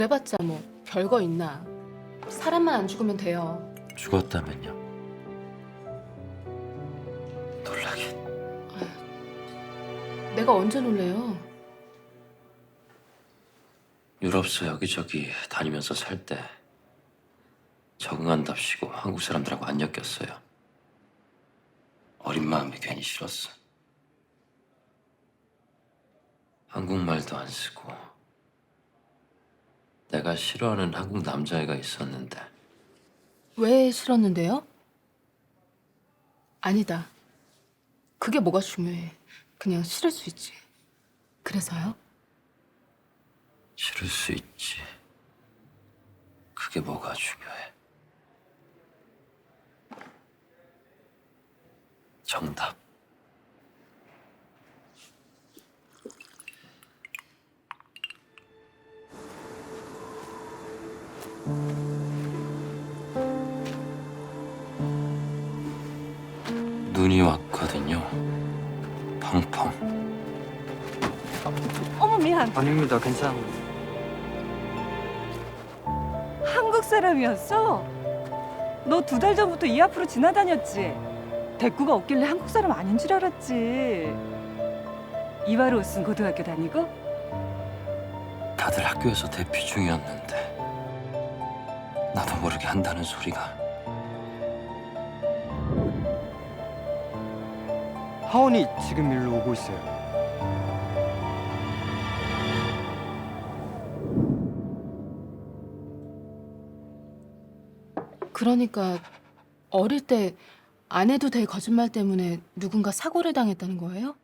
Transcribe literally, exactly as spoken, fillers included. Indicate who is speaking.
Speaker 1: 그래봤자 뭐 별거 있나. 사람만 안 죽으면 돼요.
Speaker 2: 죽었다면요? 놀라긴.
Speaker 1: 내가 언제 놀래요?
Speaker 2: 유럽서 여기저기 다니면서 살 때 적응한답시고 한국 사람들하고 안 엮였어요. 어린 마음이 괜히 싫었어. 한국말도 안 쓰고 내가 싫어하는 한국 남자애가 있었는데
Speaker 1: 왜 싫었는데요? 아니다. 그게 뭐가 중요해. 그냥 싫을 수 있지. 그래서요?
Speaker 2: 싫을 수 있지. 그게 뭐가 중요해. 정답. 눈이 왔거든요. 펑펑.
Speaker 3: 어머 미안.
Speaker 4: 아닙니다. 괜찮아요.
Speaker 3: 한국 사람이었어? 너 두 달 전부터 이 앞으로 지나다녔지? 대꾸가 없길래 한국 사람 아닌 줄 알았지. 이화로우슨 고등학교 다니고?
Speaker 2: 다들 학교에서 대피 중이었는데 나도 모르게 한다는 소리가.
Speaker 4: 하원이 지금 일로 오고 있어요.
Speaker 1: 그러니까 어릴 때 안 해도 될 거짓말 때문에 누군가 사고를 당했다는 거예요?